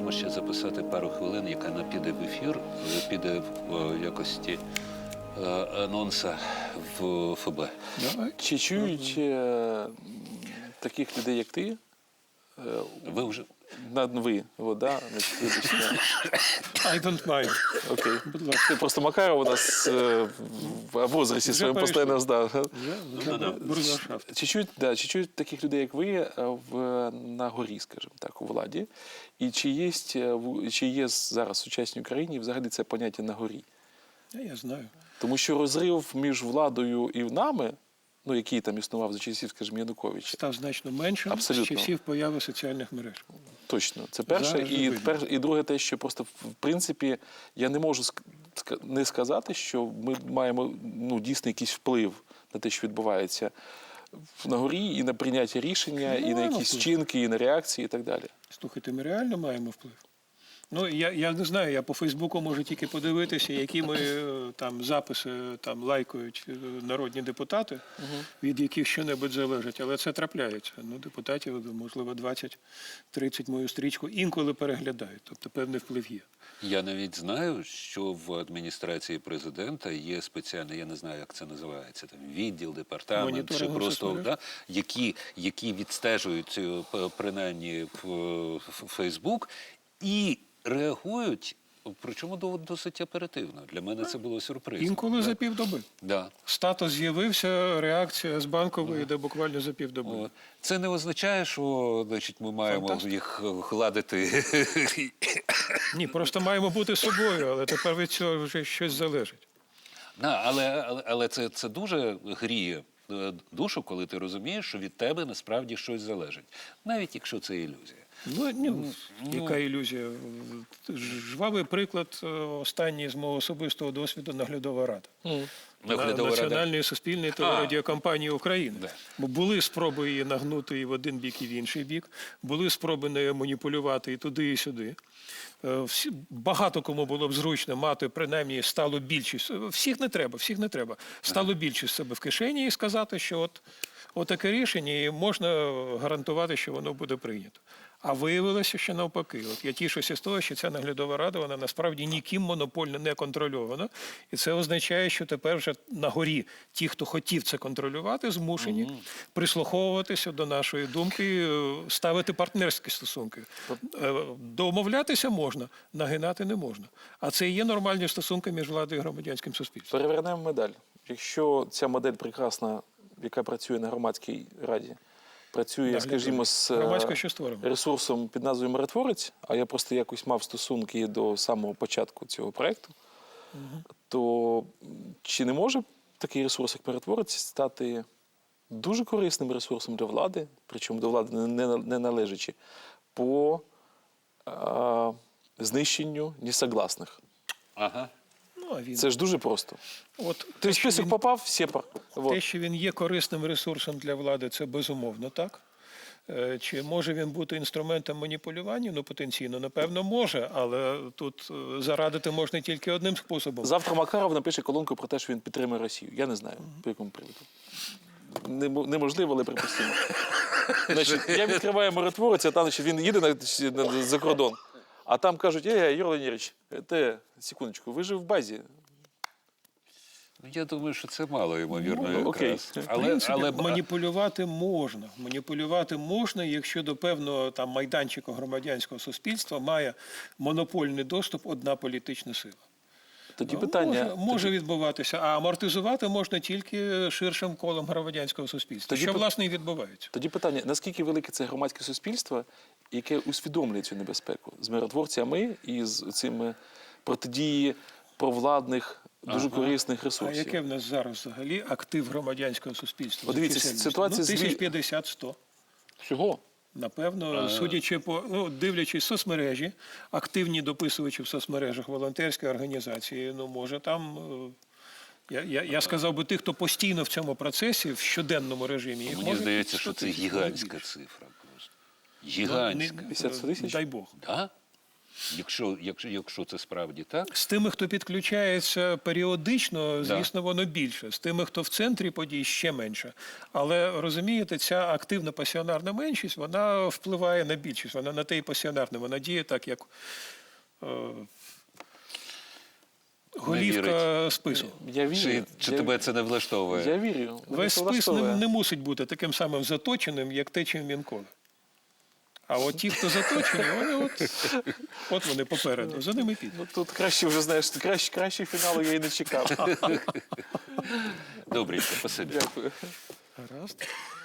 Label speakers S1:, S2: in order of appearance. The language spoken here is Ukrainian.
S1: маємо ще записати пару хвилин, яка не піде в ефір, але піде в якості анонса в ФБ.
S2: Чи чують таких людей, як ти?
S1: Ви вже...
S2: Ви, вода,
S3: I don't mind.
S2: Окей.
S3: Будь ласка.
S2: Просто Макаров у нас в возрасті своєму постійно здав. Чи чують таких людей, як ви, на горі, скажімо так, у владі? І чи є зараз в сучасній Україні взагалі це поняття на горі?
S3: Я знаю.
S2: Тому що розрив між владою і нами, ну, який там існував за часів, скажімо, Януковича,
S3: Став значно меншим
S2: абсолютно.
S3: з часів появи соціальних мереж.
S2: Точно. Це перше. І друге те, що просто, в принципі, я не можу не сказати, що ми маємо дійсно якийсь вплив на те, що відбувається на горі, і на прийняття рішення, і на якісь вчинки, і на реакції, і так далі.
S3: Слухайте, ми реально маємо вплив. Ну, я не знаю, я по Фейсбуку можу тільки подивитися, які ми там записи там лайкають народні депутати, від яких що-небудь залежить, але це трапляється. Ну, депутатів, можливо, 20-30 мою стрічку інколи переглядають, тобто певний вплив є.
S1: Я навіть знаю, що в адміністрації президента є спеціальний, я не знаю, як це називається, там відділ, департамент, чи просто, які відстежують принаймні Фейсбук і реагують, причому досить оперативно. Для мене це було сюрпризом.
S3: Інколи за півдоби.
S1: Да.
S3: Статус з'явився, реакція з Банкової йде буквально за півдоби.
S1: Це не означає, що, значить, ми маємо їх гладити.
S3: Ні, просто маємо бути собою, але тепер від цього вже щось залежить.
S1: Але це дуже гріє душу, коли ти розумієш, що від тебе насправді щось залежить. Навіть якщо це ілюзія.
S3: Яка ілюзія? Жвавий приклад останній з мого особистого досвіду наглядова рада. Національної суспільної телерадіокомпанії України. Бо були спроби її нагнути і в один бік, і в інший бік. Були спроби нею маніпулювати і туди, і сюди. Багато кому було б зручно мати принаймні сталу більшість. Всіх не треба. Сталу більшість себе в кишені і сказати, що от таке рішення, і можна гарантувати, що воно буде прийнято. А виявилося, що навпаки. От я тішуся з того, що ця наглядова рада, вона насправді ніким монопольно не контрольована. І це означає, що тепер вже на горі ті, хто хотів це контролювати, змушені прислуховуватися до нашої думки, ставити партнерські стосунки. Домовлятися можна, нагинати не можна. А це і є нормальні стосунки між владою і громадянським суспільством.
S2: Перевернемо медаль. Якщо ця модель прекрасна, яка працює на громадській раді, працює, скажімо, з ресурсом під назвою «Миротворець», а я просто якось мав стосунки до самого початку цього проєкту, то чи не може такий ресурс, як «Миротворець», стати дуже корисним ресурсом для влади, причому до влади не належачи, по знищенню несогласних?
S1: Ага.
S2: Це ж дуже просто. Ти в список попав, сєпар.
S3: Те, що він є корисним ресурсом для влади, це безумовно так. Чи може він бути інструментом маніпулювання? Ну, потенційно, напевно, може, але тут зарадити можна тільки одним способом.
S2: Завтра Макаров напише колонку про те, що він підтримує Росію. Я не знаю, по якому приводу. Неможливо, але припустимо. Значить, я відкриваю «Миротворець», а там він їде за кордон. А там кажуть, Юрій Леонідович, секундочку, ви ж в базі.
S1: Я думаю, що це мало ймовірно якраз.
S3: В принципі, маніпулювати можна. Маніпулювати можна, якщо до певного там майданчика громадянського суспільства має монопольний доступ одна політична сила.
S2: Тоді питання...
S3: Може відбуватися, а амортизувати можна тільки ширшим колом громадянського суспільства, що, власне, і відбувається.
S2: Тоді питання, наскільки велике це громадське суспільство, яке усвідомлює цю небезпеку з миротворцями і з цими протидії провладних, дуже корисних ресурсів?
S3: А яке в нас зараз взагалі актив громадянського суспільства?
S2: Дивіться, ситуація...
S3: 1050-100.
S2: Всього?
S3: Напевно, судячи по, дивлячись соцмережі, активні дописувачі в соцмережах, волонтерські організації, може там, я сказав би тих, хто постійно в цьому процесі, в щоденному режимі.
S1: Мені здається, що це гігантська цифра просто. Гігантська.
S2: 50 тисяч?
S3: Дай Бог.
S1: Да? Якщо це справді так.
S3: З тими, хто підключається періодично, звісно, воно більше. З тими, хто в центрі подій, ще менше. Але, розумієте, ця активна пасіонарна меншість, вона впливає на більшість. Вона на те і пасіонарна. Вона діє так, як голівка спису.
S2: Я вірю.
S1: Чи тебе це не влаштовує?
S2: Я вірю.
S3: Весь спис не мусить бути таким самим заточеним, як те, чим він коле. А от ті, хто заточені, вони от вони попереду, за ними підуть.
S2: Ну, тут краще вже, знаєш, краще фіналу я і не чекав.
S1: Добренько, спасибі.
S2: Дякую.
S3: Гаразд.